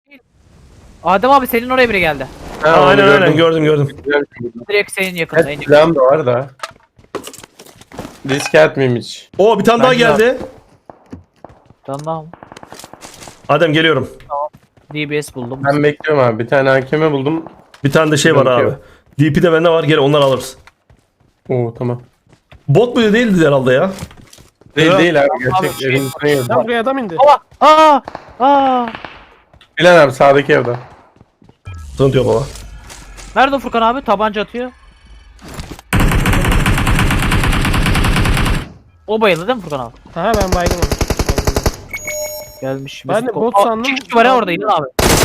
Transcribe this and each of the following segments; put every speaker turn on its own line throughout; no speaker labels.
Adem abi senin oraya biri geldi.
Ha, aynen gördüm.
Direkt senin yakında.
Evet, silahım da var da. Risk atmayayım hiç.
Oo bir tane daha geldi.
Tamam.
Adem geliyorum.
DBS buldum.
Ben bekliyorum abi. Bir tane hakeme buldum.
Bir tane de şey var abi.
Yok.
DP de bende var. Gel onları alırız.
Oo tamam.
Bot mu değildi herhalde ya?
Değil abi.
Abi,
Gerçek evin içine girdi.
Lan buraya adam indi.
Aa.
Bilen abi sağdaki evde.
Sıkıntı yok baba.
Nerede o Furkan abi? Tabanca atıyor. O bayıldı değil mi Furkan abi?
Aha ben baygın onu.
Gelmiş.
Ben de bot sandım.
İki kişi var ya orada İlhan abi.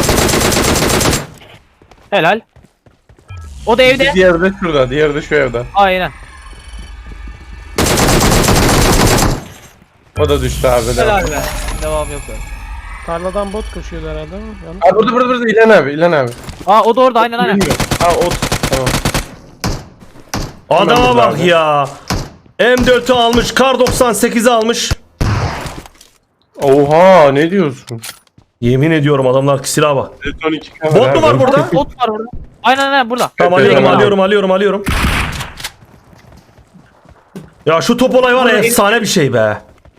Helal. O da evde.
Diğeri de şurada. Diğeri de şu evde.
Aynen.
O da düştü abi.
Helal be. Devam yok böyle.
Tarladan bot koşuyordu herhalde ama. Yanlış.
Abi burada İlhan abi. İlhan abi.
Aa o da orada aynen.
Bilmiyorum. Ha ot. Tamam.
Adama
Hemen
bak
burada abi.
ya. M4'ü almış. Kar 98'i almış.
Oha ne diyorsun?
Yemin ediyorum adamlar silaha bak.
Son 2 kamera.
Bot mu var
abi.
burada?
Bot var burada. Aynen burada.
Tamam
Evet,
alıyorum. Ya şu top olay var ya efsane bir şey be.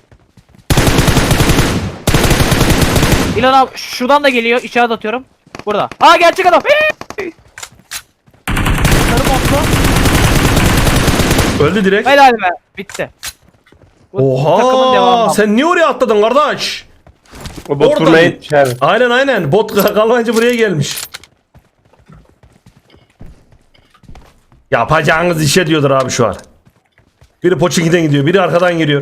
İlhan abi şuradan da geliyor. İçeride atıyorum. Burada. Aa gerçek adam. Sarı montlu.
Öldü direkt.
Helal be. Bitti. Bu takımın
Oha
devamı.
sen niye oraya atladın kardeş?
O bot
Oradan-
vurmaya gitmiş abi.
Aynen bot kalmayınca buraya gelmiş. Yapacağınız işe diyordur abi şu an. Biri Pochinki'den gidiyor, biri arkadan giriyor.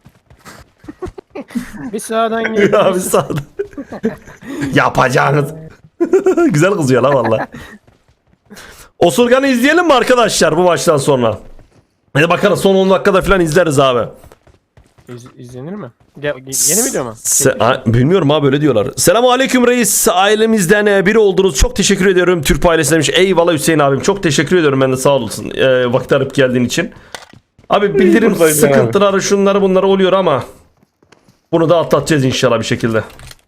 Bir sağdan geliyor.
Abi sağda. Yapacağınız. Güzel kızıyor la valla. Osurgan'ı izleyelim mi arkadaşlar bu maçtan sonra? Hadi bakalım son 10 dakikada falan izleriz abi.
İzlenir mi? Yeni video mu?
Bilmiyorum abi öyle diyorlar. Selamun aleyküm reis. Ailemizden biri oldunuz. Çok teşekkür ediyorum. Türk ailesi demiş. Eyvallah Hüseyin abim. Çok teşekkür ediyorum ben de sağ olasın. Vakit arayıp geldiğin için. Abi bildirim
buradayım
sıkıntıları şunları bunları oluyor ama bunu da atlatacağız inşallah bir şekilde.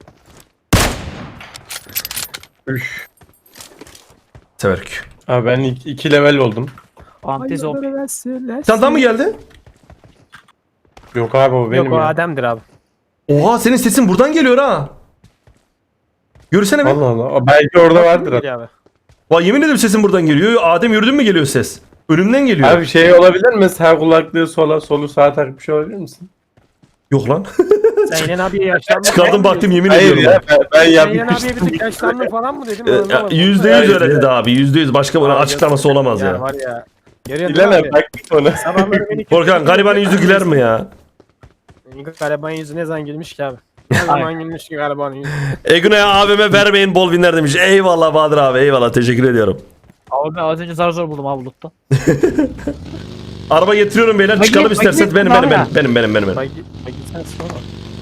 Üf.
Severük.
Abi ben 2 level oldum.
Antizop.
Senden mı geldi?
Yok abi o benim
Yok o
ya.
Adem'dir abi.
Oha senin sesin buradan geliyor ha. Görürsene bir.
Allah Allah. O belki orada vardır.
Geliyor abi.
Vay yemin ederim sesin buradan geliyor. Adem yürüdün mü geliyor ses? Önümden geliyor.
Abi şey olabilir mi? Sağ kulaklığı sola, solu sağa takmış olabilir misin?
Yok lan.
Sen İlhan abiye yaşlandın.
Çıkardım baktım yemin
Hayır
ediyorum.
ya ben
Sen İlhan abiye
yapmıştım.
bir tık yaşlandın falan mı dedim?
%100 öyle dedi abi. %100 başka bunun açıklaması olamaz
Ya
ya.
var ya. Görüyorsun
İlan
değil
abi
mi
baktık ona.
abi? Sabahları beni
Korkan garibanın yüzü güler mi ya?
Garibanın yüzü ne zaman gülmüş ki abi? Ne zaman gülmüş ki garibanın yüzü?
Eguna'ya abime vermeyin bol winler demiş. Eyvallah Bahadır abi eyvallah teşekkür ediyorum.
Abi ben az önce zar zor buldum abi loot'ta.
Araba getiriyorum beyler
Bak
çıkalım
git, bak
isterseniz
git,
benim.
abi.
Bak sen sonra.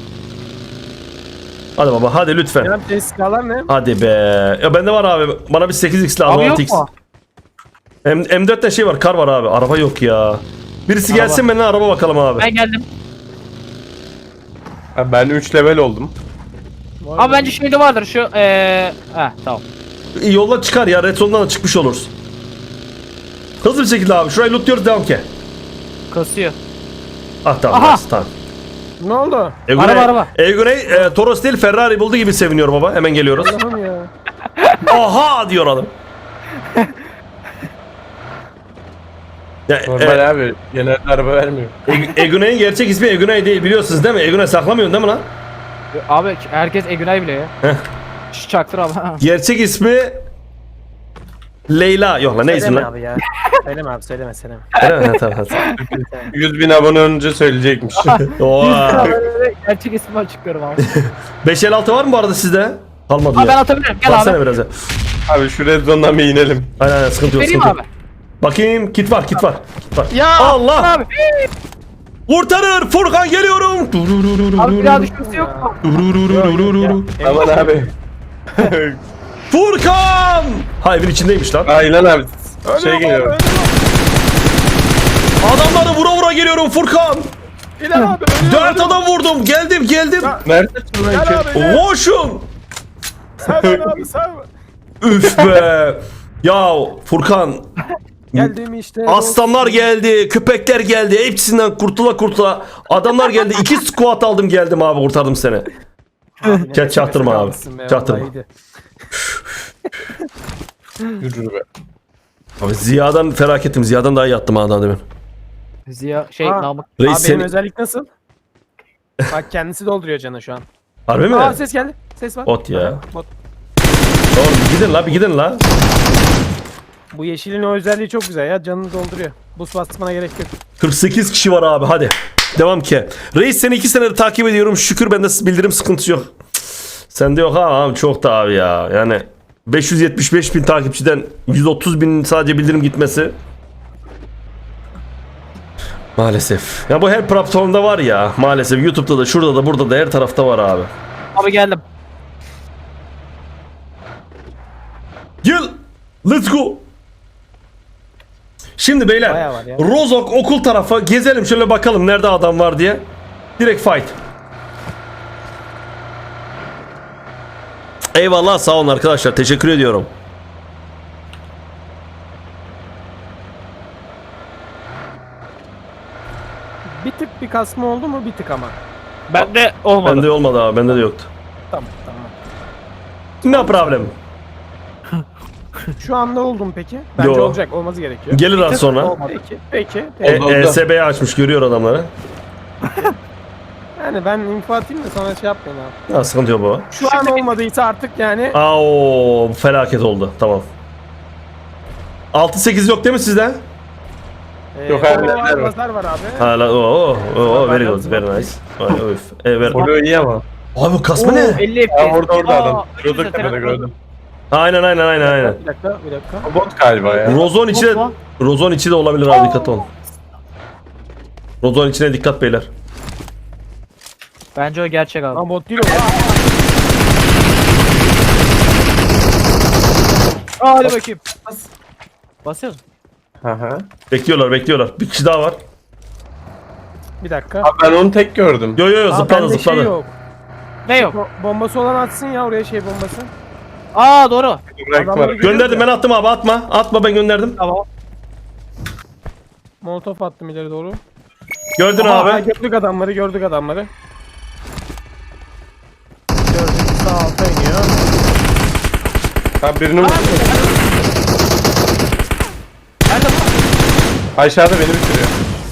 Hadi baba hadi lütfen.
İlhan abi silahlar ne?
Hadi be. Ya bende var abi. Bana bir 8x lazım
Abi yok
6x.
mu?
M4'te şey var kar var abi. Araba yok ya. Birisi
Araba.
gelsin benimle araba bakalım abi.
Ben geldim.
Abi ben 3 level oldum.
Abi bence şeyde vardır şu tamam.
Yolla çıkar ya. Red Zone'dan da çıkmış oluruz. Hızlı bir şekilde abi. Şurayı lootluyoruz devam ki.
Kasıyor.
Ah tamam.
Aha!
nice, tamam.
Ne oldu?
Araba.
Eguney Toros değil Ferrari buldu gibi seviniyor baba. Hemen geliyoruz.
Allah'ım ya.
Aha diyor adam. Ya,
Normal abi. Genelde araba vermiyor.
Eguney'in gerçek ismi Eguney değil biliyorsunuz değil mi? Eguney saklamıyorsun değil mi lan?
Abi herkes Egunay bile ya.
Heh.
Şu çaktır abi.
Gerçek ismi Leyla. Yok lan ne ismi
Söyleme
lan?
abi ya. Söyleme abi söyleme.
Öyle mi? Tamam.
100.000 abone önce söyleyecekmiş.
Oha.
Gerçek ismini açıklıyorum abi.
556 var mı bu arada sizde? Kalmadı
Abi ben
ya.
atabilirim. Gel
Baksana
abi.
biraz ya.
Abi şu red zone'dan bir inelim.
Aynen sıkıntı yok.
Vereyim
Sıkıntı
abi.
yok. Bakayım kit var.
Ya
Allah!
Abi.
Kurtarır Furkan geliyorum.
Abi bir daha düşmesi yok mu?
Aman abi.
Furkan! Ha evin içindeymiş lan.
Aynen abi. Şey geliyor.
Adamları vura vura geliyorum Furkan.
İlhan abi.
4 adam vurdum. Geldim.
Neredesin lan ki?
Koşun.
Servan abi Servan.
Üf be. Ya Furkan,
Geldim işte.
aslanlar geldi, köpekler geldi. Hepsinden kurtula kurtula. Adamlar geldi. 2 squat aldım geldim abi, kurtardım seni. Çaktırma abi. Çaktırma.
Yürü be.
Abi Ziya'dan felaketim. Ziya'dan daha iyi yattım ha daha demin.
Ziya Namık.
Reis
Abi benim
seni...
özellik nasıl? Bak kendisi dolduruyor canı şu an.
Harbi mi?
Aa ses geldi. Ses var.
Bot ya.
Bot.
Oğlum bir gidin la, bir gidin la.
Bu yeşilin o özelliği çok güzel ya. Canını dolduruyor. Buz basmana gerek yok.
48 kişi var abi, hadi. Devam ki. Reis seni 2 senedir takip ediyorum. Şükür bende bildirim sıkıntısı yok. Sende yok ha abi, çok da abi ya. Yani 575 bin takipçiden 130 bin sadece bildirim gitmesi. Maalesef. Ya bu her platformda var ya. Maalesef YouTube'da da, şurada da, burada da, her tarafta var abi.
Abi geldim.
Gel. Let's go. Şimdi beyler,
Bayağı var ya.
Rozok okul tarafa gezelim şöyle, bakalım nerede adam var diye. Direkt fight. Eyvallah, sağ olun arkadaşlar, teşekkür ediyorum.
Bir tık bir kasma oldu mu? Bir tık ama.
Bende olmadı.
Bende olmadı abi, bende de yoktu.
Tamam tamam.
No problem.
Şu anda oldu mu peki? Bence
Yo.
olacak. Olması gerekiyor.
Gelir az sonra.
Olmadı.
Peki. Peki.
Oldu.
ESB'yi açmış, görüyor adamları.
Yani ben info atayım da sonra şey yapmayın abi.
Ha, sıkıntı yok baba.
Şu an olmadıysa artık yani
Aa, felaket oldu, tamam. 6-8 yok değil mi sizde?
Yok,
o
hala var.
pazar var abi.
Hala very good, very nice. Vay, öf.
Orada iyi ama.
Abi kasma ne?
50 FPS.
Aa, orada adam.
Aa,
Rozok tepede gördüm.
Aynen.
Bir dakika.
O bot galiba ya.
Rozon içi de,
Hoppa.
Rozon içi de olabilir abi, dikkat olun. Rozon içine dikkat beyler.
Bence o gerçek abi.
Lan bot değil o.
Hadi bakayım. Basıyoruz.
Hı hı.
Bekliyorlar. Bir kişi daha var.
Bir dakika.
Abi ben onu tek gördüm.
Yo
Aa,
zıpladı
bende
zıpladı.
Şey yok.
Ne yok?
Bombası olan atsın ya oraya şey bombası.
Aa doğru.
Bırak var.
Adamları
Gönderdim, ben attım abi, atma, ben gönderdim.
Tamam.
Molotof attım ileri doğru.
Gördün
Aa,
abi.
gördük adamları. Gördük sağ alta iniyor.
Abi birini
Nerede bu?
aşağıda beni bitiriyor.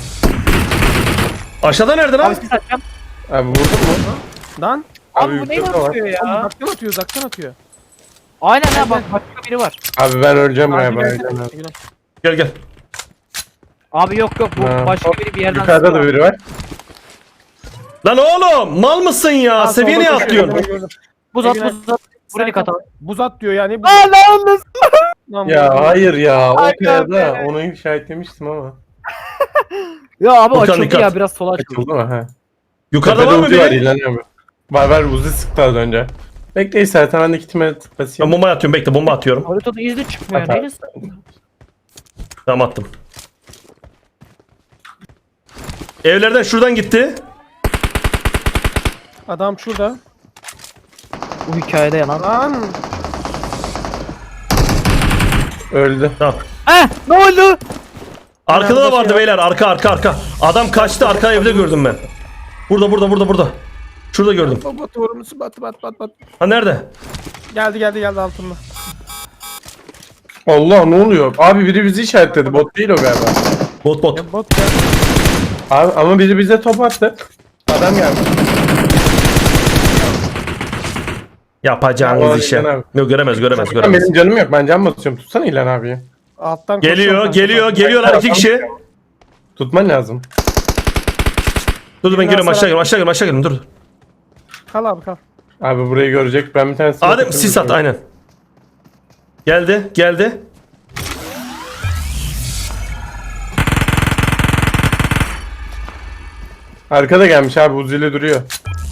Aşağıda nerede lan?
Abi siz atacağım.
Abi vurdun mu?
Lan.
Abi bu neyi
yüksekte var.
atıyor ya?
Uzaktan atıyor.
Aynen ha, bak başka biri var.
Abi ben öleceğim
Abi
galiba.
gelsene.
Gel.
Abi yok bu
Ha.
başka biri bir yerden
Yukarıda da
sıkıyor.
biri var.
Lan oğlum, mal mısın ya? Seviye niye atlıyorsun?
Buz at. Buraya katalım.
Buz at diyor yani.
Aa lan
Lan
Ya hayır ya. O
Ay,
kayada
be.
onu işaretlemiştim ama.
Ya abi
Furkan,
açıldı
dikkat.
ya, biraz sola açıldı.
Açıldı mı? He.
Yukarıda var mı
Uzi var
biri?
İlhan abi. Var Uzi sıktı az önce. Bekle istersen ben de kitime
Ben
basayım.
bomba atıyorum, bekle, bomba atıyorum.
Haritada izli çıkmıyor.
Atar.
Neresi?
Tamam, attım. Evlerden şuradan gitti.
adam şurada.
Bu hikayede yalan.
Lan.
Öldü.
Tamam.
Ne oldu?
Arkada da
Nerede
vardı
şey
beyler, arka. Adam kaçtı, arka evde gördüm ben. Burada. Şurada gördüm.
Bot vurmusu bat.
Ha, nerede?
Geldi altımda.
Allah ne oluyor? Abi biri bizi işaretledi. Bot değil o galiba.
Bot.
Bot geldi.
Abi ama biri bize top attı. Adam geldi.
Yapacağınız
Ya,
işe.
İlhan abi.
Yok, göremez.
Benim canım yok. Ben can basıyorum. Tutsana İlhan abiyi.
Alttan
Geliyorlar 2 kişi.
Tutman lazım.
Dur ben geliyorum, aşağı geliyorum, dur.
Kal abi kal.
Abi burayı görecek. Ben bir tane
Adem sis at, aynen. Geldi.
Arkada gelmiş abi. Uzi'yle duruyor.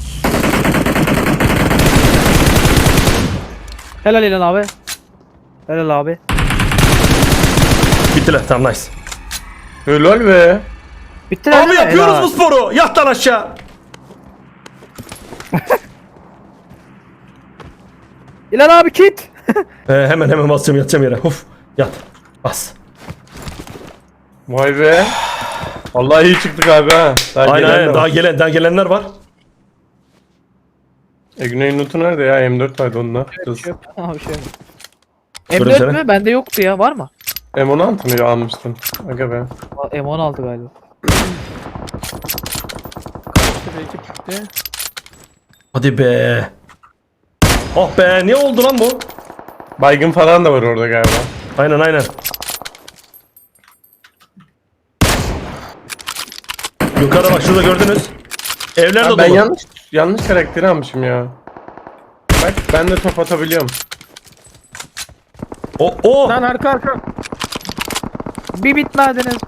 Helal İlhan abi. Helal abi.
Bittiler, tamam, nice.
Helal be.
Bitti
Abi yapıyoruz bu sporu. Yat lan aşağı.
İlan abi kit.
Hemen basacağım, yatacağım yere. Uf, yat. Bas.
Vay be. Vallahi iyi çıktık abi ha.
Aynen daha gelenler var.
Güney'in lootu nerede ya? M4 vardı onda.
Abi şey mi?
Şöyle
M4
sene.
mü? Bende yoktu ya. Var mı?
M16 mı almıştın? Aga be.
M16 galiba.
Şurada ekip gitti.
Hadi be. Oh be, ne oldu lan bu?
Baygın falan da var orada galiba.
Aynen. Yukarı bak, şurada gördünüz. Evler de
Ha, ben
dolu.
yanlış karakteri almışım ya. Bak ben de top atabiliyorum.
O.
Lan arka.
Bir bitmediniz.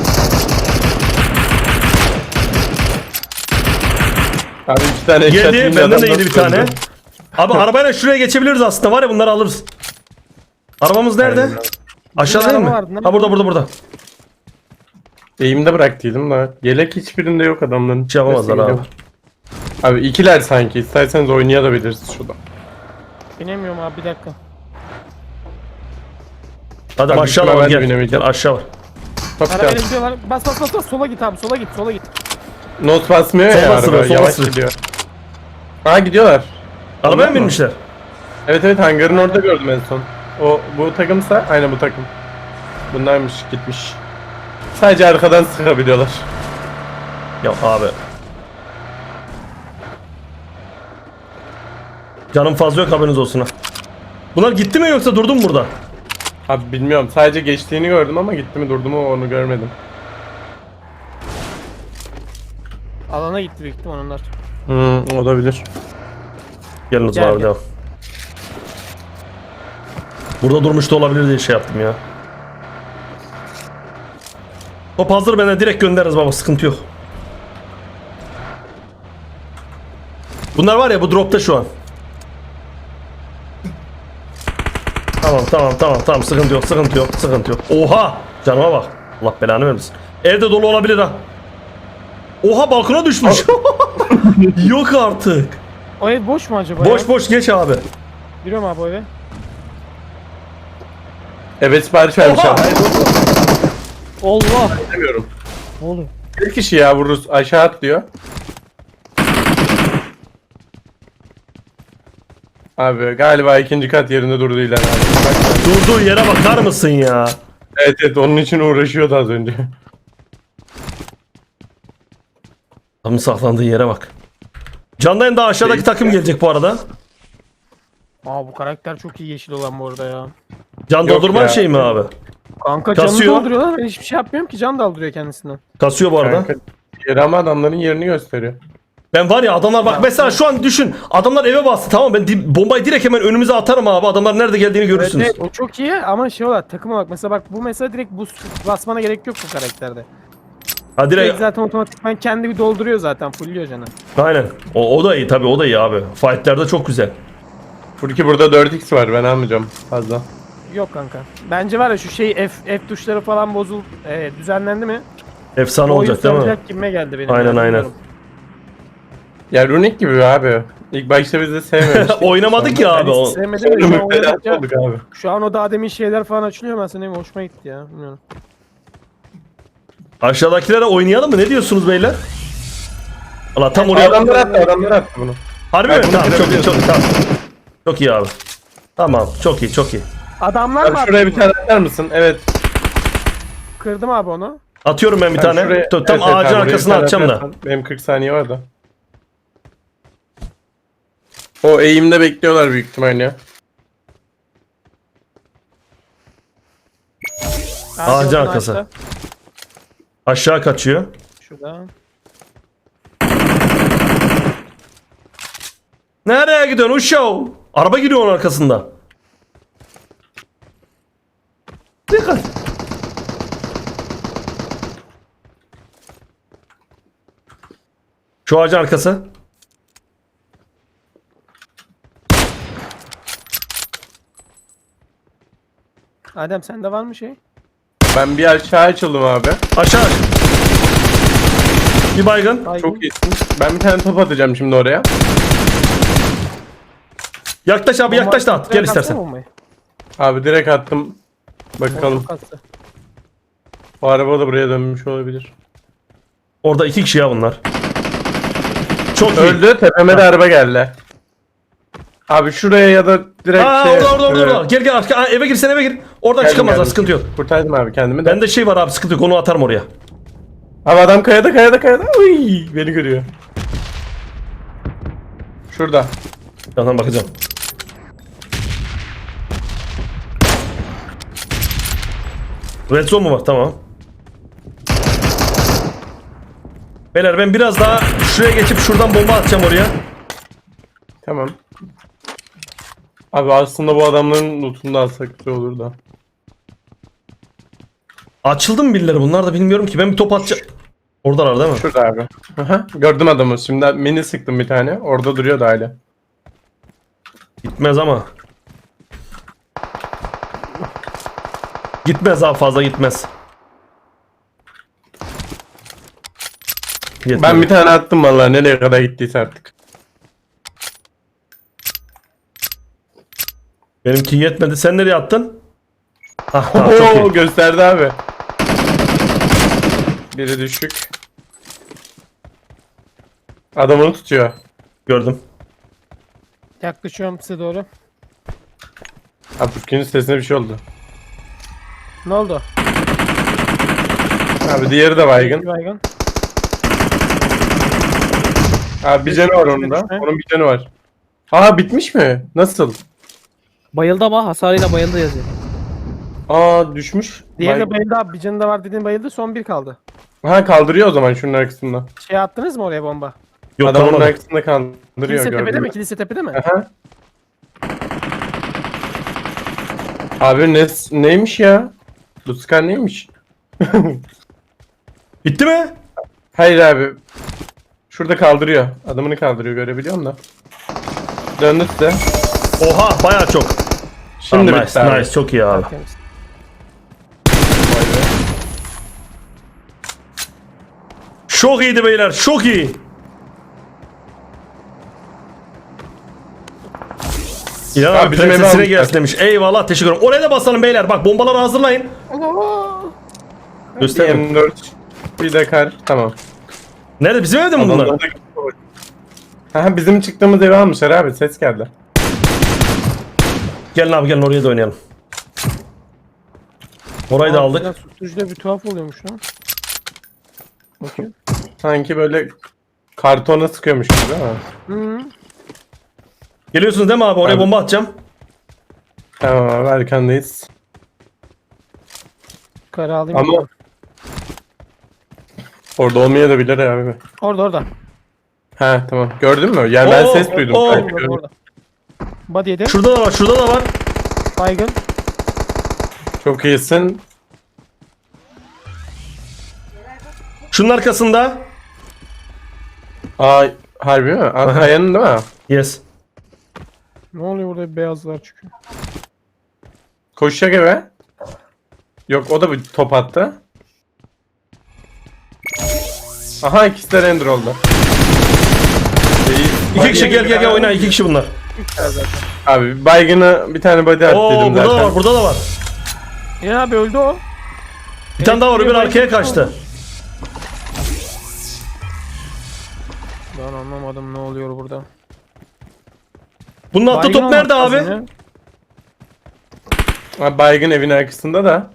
Abi 2 tane eşya
Yedi,
atayım,
benden de
adam
yedi bir
nasıl
tane.
öldü?
Abi arabayla şuraya geçebiliriz aslında, var ya, bunları alırız. Arabamız nerede?
Aynen.
Aşağı değil mi?
araba vardı,
Ha, burada.
Eğimde bıraktıydım da. Yelek hiçbirinde yok adamların.
Şey yapamazlar
Neyse,
abi.
gidelim. Abi ikiler sanki. İsterseniz oynayabiliriz şurada.
Binemiyorum abi, bir dakika.
Hadi
Abi,
aşağı
ben
var,
de
gel.
binemeyeceğim.
Gel aşağı var.
Top
Arabayla
gel.
gidiyorlar. Bas. Sola git abi, sola git.
Not basmıyor ya
Sola
araba.
sürüyor, sola
Yavaş
sürüyor.
gidiyor. Ha gidiyorlar.
Arabaya
Onlar
mı
mı?
binmişler?
Evet hangarın orada gördüm en son. Bu takımsa aynı bu takım. Bunlarmış gitmiş. Sadece arkadan sıkabiliyorlar.
Ya abi. Canım fazla yok, haberiniz olsun ha. Bunlar gitti mi yoksa durdu mu burada?
Abi bilmiyorum sadece geçtiğini gördüm ama gitti mi durdu mu onu görmedim.
Alana gitti büyük ihtimal onlar.
Olabilir.
Gelin o zaman abi,
Gel.
devam. Burada durmuş da olabilir diye şey yaptım ya. Top hazır, bana direkt göndeririz baba, sıkıntı yok. Bunlar var ya, bu dropta şu an. Tamam, sıkıntı yok. Oha! Canıma bak. Allah belanı vermesin. Evde dolu olabilir ha. Oha, balkona düşmüş. Yok artık.
O ev boş mu acaba ya?
Boş geç abi.
Giriyorum abi o eve.
Evet sipariş vermiş
Oha!
abi.
Allah.
Bilmiyorum.
Ne oluyor?
Bir kişi ya vururuz aşağı atlıyor. Abi galiba ikinci kat yerinde durdu ilan abi. Bak,
Durduğu yere bakar mısın ya?
evet onun için uğraşıyordu az önce.
Adamın saklandığı yere bak. Candan daha aşağıdaki takım gelecek bu arada.
Aa, bu karakter çok iyi yeşil olan bu arada ya.
Can
Yok
doldurman
ya.
şey mi abi?
Kanka
Kasıyor.
canını dolduruyorlar. Ben hiçbir şey yapmıyorum ki, can daldırıyor kendisinden.
Kasıyor bu arada.
Kanka, yeri ama adamların yerini gösteriyor.
Ben var ya, adamlar bak mesela şu an düşün. Adamlar eve bastı, tamam, ben bombayı direkt hemen önümüze atarım abi. Adamlar nerede geldiğini
Evet,
görürsünüz.
evet, o çok iyi ama şey olarak takım olarak mesela bak, bu mesela direkt boost basmana gerek yok bu karakterde.
Ha
Direkt
direkt,
zaten otomatikman kendi bir dolduruyor zaten, fullüyor canı.
aynen. O da iyi tabii, o da iyi abi. Fightlerde çok güzel.
Furki burada 4x var ben almayacağım fazla.
Yok kanka. Bence var ya şu şey F tuşları falan düzenlendi mi?
Efsane
O
olacak değil mi?
saracak gibime geldi benim.
Aynen,
yani,
aynen.
bilmiyorum.
Ya Runic gibi abi. İlk başta biz de sevmemiştik.
Oynamadık ya abi.
Ben hiç
O.
sevmedim de şu an
Müptelat
oynadıkça-
olduk abi.
Şu an o daha demin şeyler falan açılıyor, ben senin hoşuma gitti ya. Bilmiyorum.
Aşağıdakilere oynayalım mı? Ne diyorsunuz beyler? Allah tam oraya.
Adamlar attı bunu.
Harbi
Ben
mi?
bunu
Tamam, çok iyi,
görebiliyorum.
çok iyi, tamam. Çok iyi abi. Tamam, çok iyi.
Adamlar
Abi
mı
şuraya
attı
bir
bunu?
tane atar mısın? Evet.
Kırdım abi onu.
Atıyorum ben bir
Ben
tane.
şuraya-
Tam
evet,
ağacın
abi, buraya
arkasına
bir tane
atacağım da.
atarsan, benim 40 saniye var da. O eğimde bekliyorlar büyük ihtimalle ya.
Ağacın
gördün
arkası.
ağaçta.
Aşağı kaçıyor.
Şurada.
Nereye gidiyorsun uşağı? Araba gidiyor onun arkasında. Dikkat. Şu ağacın arkası.
Adem sende var mı şey?
Ben bir aşağı açıldım abi.
Aşağı. Bir baygın.
Baygın.
Çok iyisin. Ben bir tane top atacağım şimdi oraya.
Yaklaş abi yaklaş da at. Gel
Direkt atsana
istersen.
bombayı.
Abi direkt attım. Bakalım.
Çok kastı.
O araba da buraya dönmüş olabilir.
Orada 2 kişi ya bunlar. Çok iyi.
Öldü. Tepeme de araba geldi. Abi şuraya ya da direkt
Aa orada. Gel gel arka. Aa, eve gir sen eve gir. Oradan
Geldim,
çıkamazlar
geldim.
sıkıntı yok.
Kurtardım abi kendimi de.
Bende şey var abi sıkıntı yok onu atarım oraya.
Abi adam kayada. Uy, beni görüyor. Şurada.
Yandan bakacağım. Red zone mu var? Tamam. Beyler ben biraz daha şuraya geçip şuradan bomba atacağım oraya.
Tamam. Abi aslında bu adamların lootunu da alsak güzel olur da.
Açıldı mı birileri bunlar da bilmiyorum ki. Ben bir top atacağım. Oradalar değil mi?
Şurada abi. Aha, gördüm adamı. Şimdi mini sıktım bir tane. Orada duruyor da hala.
Gitmez ama. Gitmez abi fazla gitmez. Yetmedi.
Ben bir tane attım vallahi nereye kadar gittiyse artık.
Benimki yetmedi. Sen nereye attın? Ah tamam çok
Oo,
iyi.
gösterdi abi. Biri düşük. Adamını tutuyor.
Gördüm.
Yaklaşıyorum size doğru.
Abi Furkan'ın sesine bir şey oldu.
Ne oldu?
Abi diğeri de baygın.
Bir baygın.
Abi bir canı var onun da. Onun bir canı var. Aa bitmiş mi? Nasıl?
Bayıldı ama hasarıyla bayıldı yazıyor.
Aa düşmüş.
Diğeri de
Baygın.
bayıldı abi. Bir canı da var dediğin bayıldı. Son bir kaldı.
Ha kaldırıyor o zaman şunun arkasında.
Şey attınız mı oraya bomba?
Yok
Adamın
tamam.
arkasında kaldırıyor
Kilise tepede
gördüm.
mi? Kilise tepede mi?
Aha. Abi neymiş ya? Bu Scar neymiş?
Bitti mi?
Hayır abi. Şurada kaldırıyor. Adamını kaldırıyor görebiliyorum da. Döndü size.
Oha bayağı çok.
Şimdi
Tamam,
bitti
nice,
abi.
nice çok iyi abi.
Temiz.
Çok iyiydi beyler çok iyi. İlhan
Abi
abi
bizim eve
prensesine
almışlar.
gelsin demiş. Eyvallah teşekkür ederim. Oraya da basalım beyler. Bak bombaları hazırlayın.
Bir
Göster.
M4. Bir de kar. Tamam.
Nerede bizim evde mi bunlar?
Aha bizim çıktığımız evi almışlar abi. Ses geldi.
Gelin abi gelin oraya da oynayalım. Orayı da aldık.
Susturucuda bir tuhaf oluyormuş lan. Bakayım.
Sanki böyle kartona sıkıyormuş gibi ama.
Hı.
Geliyorsunuz değil mi abi? Oraya
Abi.
bomba atacağım.
Tamam abi arkandayız.
Kara alayım.
Ama
bakalım.
orada olmayabilir abi.
Orada.
Ha tamam. Gördün mü? Yani ben
Oo,
ses duydum.
oo.
Belki gördüm.
Orada. Body yedi.
Şurada da var şurada da var.
Baygın.
Çok iyisin.
Şunun arkasında.
Aa harbi mi? Kayanın değil mi?
Yes.
Ne oluyor burada beyazlar çıkıyor.
Koşacak eve. Yok o da bir top attı. Aha ikisi de render oldu.
İki kişi gel oyna iki kişi bunlar.
Abi baygını bir tane body at
Oo
dedim
burada
zaten.
da var burada da var.
Ya abi öldü o.
Bir tane daha var öbür arkaya kaçtı.
Ben anlamadım ne oluyor burada.
Bunun attığı
Baygın
top nerede
olmak
abi?
lazım ya.
Abi baygın evin arkasında da.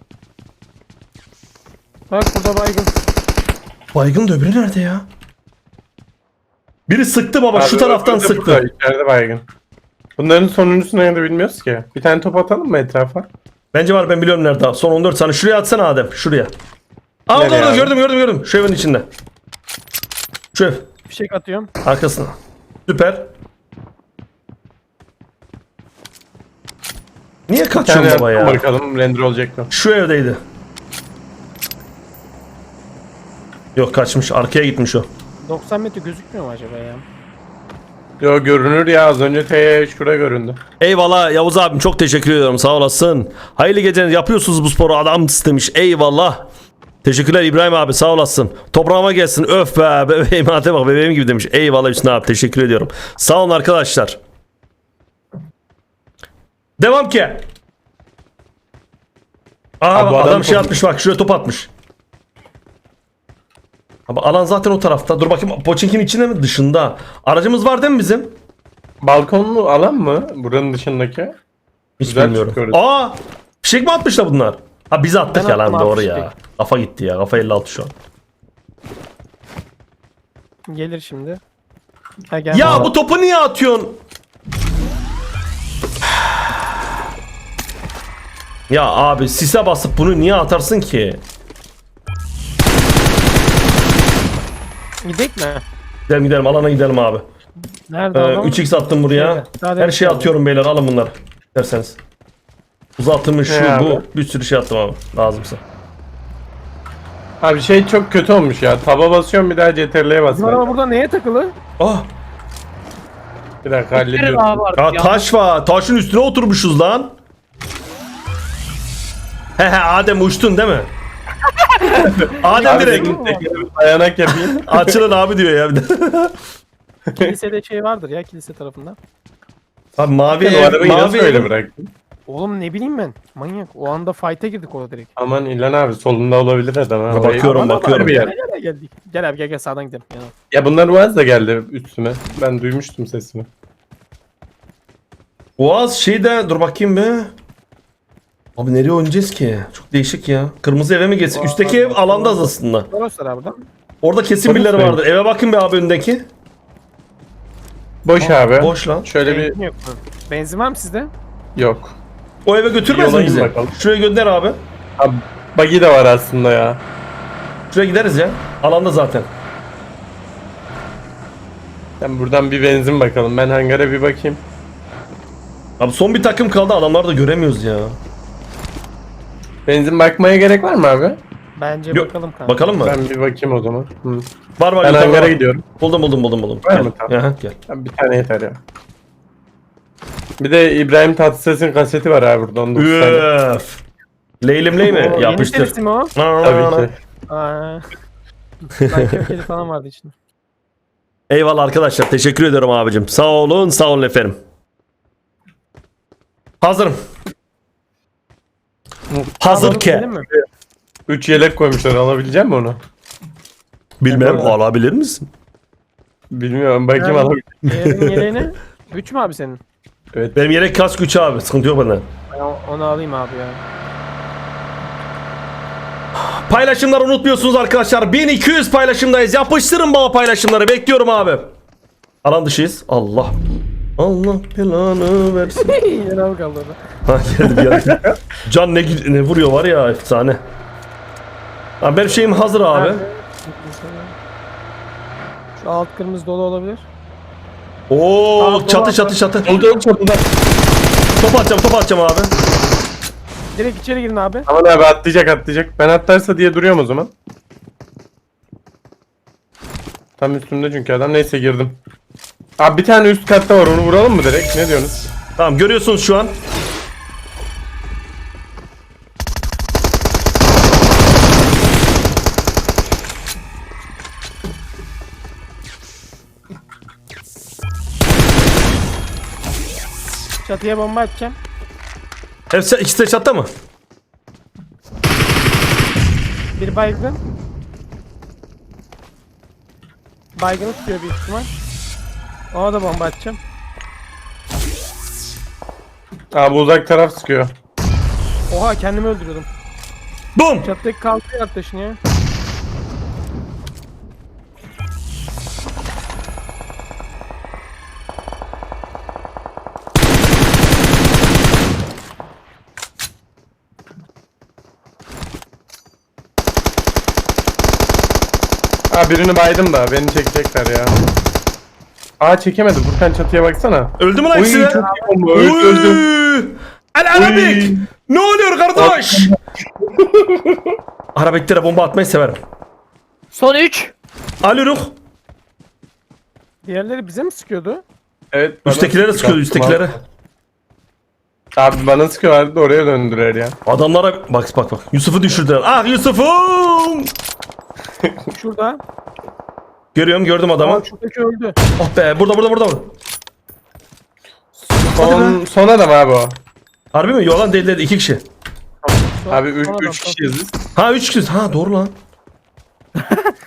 Bak burada baygın.
Baygın da öbürü nerede ya? Biri sıktı baba şu
Abi
taraftan
öbürü de
sıktı.
burada, içeride baygın. Bunların sonuncusunu nerede bilmiyoruz ki. Bir tane top atalım mı etrafa?
Bence var ben biliyorum nerede abi. Son 14 saniye. Şuraya atsana Adem. Şuraya. Aa orada
Nereye
orada
abi?
gördüm. Şu evin içinde. Şu ev.
Fişek atıyorum.
Arkasına. Süper. Niye
Bir
kaçıyorsun
tane
baba
atalım
ya?
bakalım render olacak mı?
Şu evdeydi. Yok kaçmış. Arkaya gitmiş o.
90 metre gözükmüyor mu acaba ya?
Yo görünür ya az önce şurada göründü.
Eyvallah Yavuz abim çok teşekkür ediyorum sağ olasın. Hayırlı geceler yapıyorsunuz bu sporu adam demiş. Eyvallah. Teşekkürler İbrahim abi sağ olasın. Toprağıma gelsin öf be bebeğim hadi bak bebeğim gibi demiş. Eyvallah Hüsnü abi teşekkür ediyorum. Sağ olun arkadaşlar. Devam ki. Aa,
Abi bu
adam
adam
şey
çok-
atmış bak şuraya top atmış. Ama alan zaten o tarafta. Dur bakayım Poçink'in içinde mi? Dışında. Aracımız var değil mi bizim?
Balkonlu alan mı? Buranın dışındaki.
Hiç
Güzel
bilmiyorum.
çıkıyoruz.
Aa! Fişek mi atmışlar bunlar? Ha biz attık
Ben
ya lan
attım abi
doğru
fişek.
ya. Kafa gitti ya. Kafa 56 şu an.
Gelir şimdi. Ha gel.
Ya bu topu niye atıyorsun? Ya abi sise basıp bunu niye atarsın ki?
Gidek mi?
Gidelim gidelim alana gidelim abi.
Nerede adam?
3x attım buraya.
Şeyde, daha
Her
demin
şeyi
aldım.
atıyorum beyler alın bunları. Derseniz. Uzatılmış şu
Ne
bu.
abi?
Bir sürü şey attım abi. Lazımsa.
Abi şey çok kötü olmuş ya. Taba basıyorum bir daha CTRL'ye
Bizim
basıyorum.
araba burada neye takılı?
Ah!
Bir dakika
Verin
hallediyorum.
abi artık
Ya
ya.
taş var. Taşın üstüne oturmuşuz lan. He Adem uçtun değil mi? Adem
Abi
direkt.
senin tekrar dayanak yapayım.
Açılın abi diyor ya bir de.
Kilisede şey vardır ya kilise tarafında.
Abi mavi
Sen o
ev,
arabayı nasıl
mavi
öyle
ev.
bıraktın?
Oğlum ne bileyim ben. Manyak. O anda fight'a girdik orada direkt.
Aman İlhan abi solunda olabilir adam ha.
Ha, bakıyorum,
Aman
bakıyorum.
abi
Gel
ya.
gel geldik. Gel abi gel sağdan gidelim. Gel.
Ya bunlar Uaz da geldi üstüme. Ben duymuştum sesini.
Boğaz şeyde dur bakayım be. Abi nereye oynayacağız ki? Çok değişik ya. Kırmızı eve mi geçsin? Üstteki ev alanda aslında.
Orası abi buradan.
Orada kesin
Polis
birileri
mi?
vardır. Eve bakın be abi öndeki.
Boş abi.
Boş lan.
Şöyle bir
Benzin yok mu? Benzin var mı sizde?
yok.
O eve götürmez mi
Yola in
bizi?
bakalım.
Şuraya gönder abi.
Abi buggy de var aslında ya.
Şuraya gideriz ya. Alanda zaten.
Ben buradan bir benzin bakalım. Ben hangara bir bakayım.
Abi son bir takım kaldı. Adamları da göremiyoruz ya.
Benzin bakmaya gerek var mı abi?
Bence
Yok,
bakalım kanka.
Bakalım mı?
Ben bir bakayım o zaman. Hı.
Var var.
Ben
yukarıda
hangara
var.
gidiyorum.
Buldum.
Var
Gel.
mı? Tamam.
Aha, gel.
Abi bir tane yeter ya. Bir de İbrahim Tatlıses'in kaseti var abi burada. 19 tane.
Üf. Leylim ley mi?
Oo,
Yapıştır.
Yeni serisi mi o?
Tabii ki.
Aa. Ben köfteli falan vardı içinde.
Eyvallah arkadaşlar. Teşekkür ediyorum abicim. Sağ olun efendim. Hazırım. Hazır ki.
Gidelim mi?
3 yelek koymuşlar. Alabilecek misin onu?
Bilmem
Eyvallah.
alabilir misin?
Bilmiyorum. Bakayım
Yani-
alabilir.
Diğerinin yeleğini. 3 mü abi senin?
Evet.
Benim yelek kask 3 abi. Sıkıntı yok benden.
Ben onu alayım abi ya.
Paylaşımları unutmuyorsunuz arkadaşlar. 1200 paylaşımdayız. Yapıştırın bana paylaşımları. Bekliyorum abi. Alan dışıyız. Allah. Allah belanı versin.
Yeni al kaldı orada.
Ha geldi. Can ne vuruyor var ya efsane. Abi benim şeyim hazır abi.
Nerede? Şu alt kırmızı dolu olabilir.
Oo
Tamam,
çatı.
Oldu çatıda.
Top atacağım abi.
Direkt içeri girin abi.
Aman abi atlayacak. Ben atlarsa diye duruyorum o zaman. Tam üstümde çünkü adam. Neyse girdim. Abi bir tane üst katta var. Onu vuralım mı direkt? Ne diyorsunuz?
Tamam görüyorsunuz şu an.
Çatıya bomba atacağım.
Hepsi ikisi de çatta mı?
Bir baygın. Baygını tutuyor büyük ihtimal. Ona da bomba atacağım.
Abi uzak taraf sıkıyor.
Oha kendimi öldürüyordum.
Bum.
Çatıdaki kalkıyor arkadaşın ya.
Aa birini baydım da beni çekecekler ya. Aa çekemedi. Furkan çatıya baksana.
Öldü mü lan
Oy
ikisi de?
çok iyi bomba. Öldü.
El Arabik.
Oy.
Ne oluyor kardeş? Arabiklere bomba atmayı severim.
Son 3.
Alürük.
Diğerleri bize mi sıkıyordu?
Evet. bana
Üsttekilere sıkıyor üsttekilere.
Abi bana sıkıyorlardı da oraya döndüler ya.
Adamlara bak. Yusuf'u düşürdüler. Ah Yusuf'um.
Şurada.
Gördüm adamı.
Aa, şuradaki öldü.
Oh be burada.
Son adam abi o.
Harbi mi? Yalan değil dedi 2 kişi.
Abi 3
Son adam,
kişiyiz biz.
Ha 3 kişi. Ha doğru lan. Ne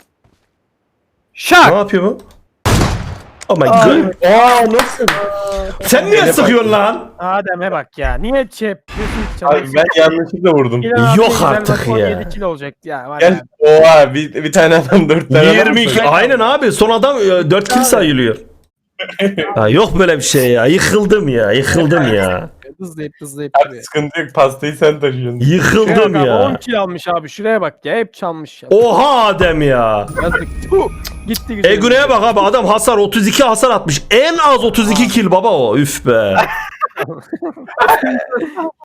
Şak.
yapıyor bu? Oh my god.
Aa nasıl?
Sen niye sıkıyorsun lan?
Adem'e bak ya. Niye şey yapıyorsun ki
Abi ben yanlışlıkla vurdum.
Yok artık ya.
17 kilo olacak ya. Var
Gel.
ya.
Oha bir tane adam 4 tane adam
22.
koyuyor.
Aynen abi. Son adam 4 kill sayılıyor. Ha, yok böyle bir şey ya. Yıkıldım ya. Yıkıldım ya.
Hızlayıp
Abi
duruyor.
sıkıntı yok, pastayı sen taşıyorsun.
Yıkıldım
Şuraya bak,
ya.
10 kilo almış abi. Şuraya bak ya. Hep çalmış ya.
Oha Adem ya.
Yazık. Tuh. Gitti güzel.
Güney'e bak abi, adam hasar 32 hasar atmış. En az 32 kill baba o. Üf be.